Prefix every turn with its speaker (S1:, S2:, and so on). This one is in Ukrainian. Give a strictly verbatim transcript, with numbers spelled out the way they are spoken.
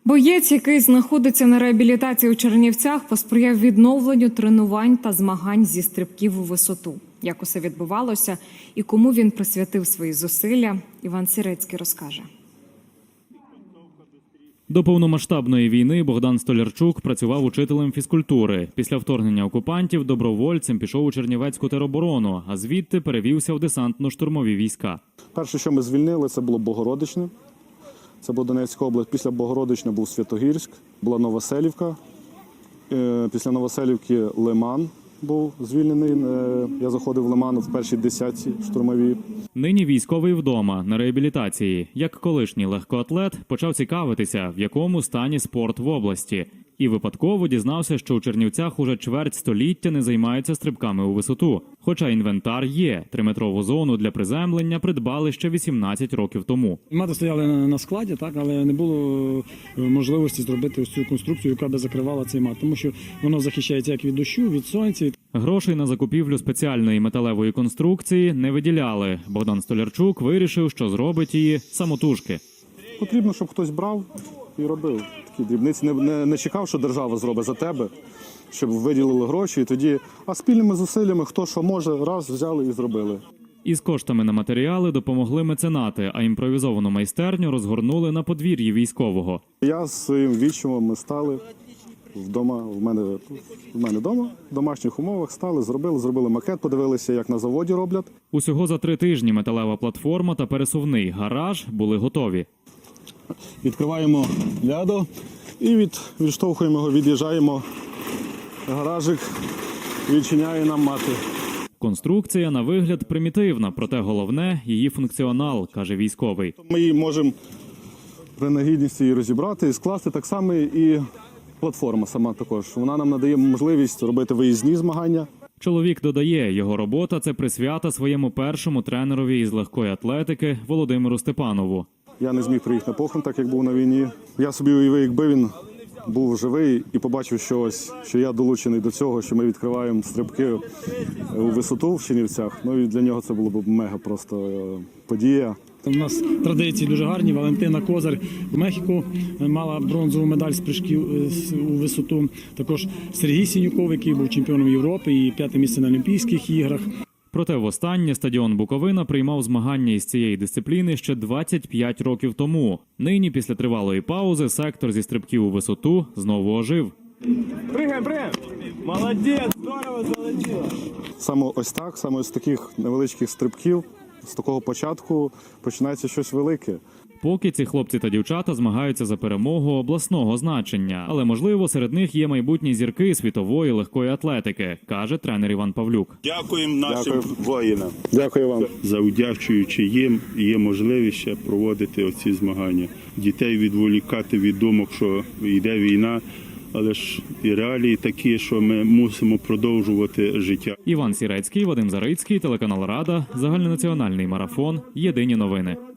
S1: Боєць, який знаходиться на реабілітації у Чернівцях, посприяв відновленню тренувань та змагань зі стрибків у висоту. Як усе відбувалося і кому він присвятив свої зусилля, Іван Сірецький розкаже.
S2: До повномасштабної війни Богдан Столярчук працював учителем фізкультури. Після вторгнення окупантів добровольцем пішов у Чернівецьку тероборону, а звідти перевівся в десантно-штурмові війська.
S3: Перше, що ми звільнили, це було Богородичне. Це була Донецька область. Після Богородичне був Святогірськ, була Новоселівка. Після Новоселівки Лиман був звільнений. Я заходив в Лиман в першій десятці штурмовій.
S2: Нині військовий вдома, на реабілітації. Як колишній легкоатлет, почав цікавитися, в якому стані спорт в області. І випадково дізнався, що у Чернівцях уже чверть століття не займаються стрибками у висоту. Хоча інвентар є. Триметрову зону для приземлення придбали ще вісімнадцять років тому.
S4: Мати стояли на складі, так, але не було можливості зробити ось цю конструкцію, яка би закривала цей мат. Тому що воно захищається як від дощу, від сонця.
S2: Грошей на закупівлю спеціальної металевої конструкції не виділяли. Богдан Столярчук вирішив, що зробить її самотужки.
S3: Потрібно, щоб хтось брав і робив такі дрібниці. Не, не, не чекав, що держава зробить за тебе, щоб виділили гроші. І тоді, а спільними зусиллями, хто що може, раз взяли і зробили.
S2: Із коштами на матеріали допомогли меценати, а імпровізовану майстерню розгорнули на подвір'ї військового.
S3: Я з своїм відчимом ми стали вдома, в мене, в мене вдома, в домашніх умовах стали, зробили, зробили макет, подивилися, як на заводі роблять.
S2: Усього за три тижні металева платформа та пересувний гараж були готові.
S3: Відкриваємо лядо і від, відштовхуємо його, від'їжджаємо. Гаражик відчиняє нам мати.
S2: Конструкція на вигляд примітивна, проте головне – її функціонал, каже військовий.
S3: Ми її можемо при нагідності її розібрати і скласти, так само і платформа сама також. Вона нам надає можливість робити виїзні змагання.
S2: Чоловік додає, його робота – це присвята своєму першому тренерові із легкої атлетики Володимиру Степанову.
S3: Я не зміг приїхати на похорон, так як був на війні. Я собі уявив, якби він був живий і побачив, що ось, що я долучений до цього, що ми відкриваємо стрибки у висоту в Чернівцях. Ну і для нього це було б мега просто подія.
S4: У нас традиції дуже гарні. Валентина Козар в Мехіко мала бронзову медаль з прыжків у висоту. Також Сергій Сінюков, який був чемпіоном Європи і п'яте місце на Олімпійських іграх.
S2: Проте востаннє стадіон Буковина приймав змагання із цієї дисципліни ще двадцять п'ять років тому. Нині, після тривалої паузи, сектор зі стрибків у висоту знову ожив.
S5: Пригай, пригай! Молодець! Здорово залетіло!
S3: Саме ось так, саме з таких невеличких стрибків, з такого початку починається щось велике.
S2: Поки ці хлопці та дівчата змагаються за перемогу обласного значення. Але, можливо, серед них є майбутні зірки світової легкої атлетики, каже тренер Іван Павлюк.
S6: Дякуємо нашим
S3: Дякую.
S6: воїнам.
S3: Дякую вам.
S6: Завдячуючи їм, є можливість ще проводити оці змагання. Дітей відволікати від думок, що йде війна, але ж і реалії такі, що ми мусимо продовжувати життя.
S2: Іван Сірецький, Вадим Зарицький, телеканал Рада, загальнонаціональний марафон, єдині новини.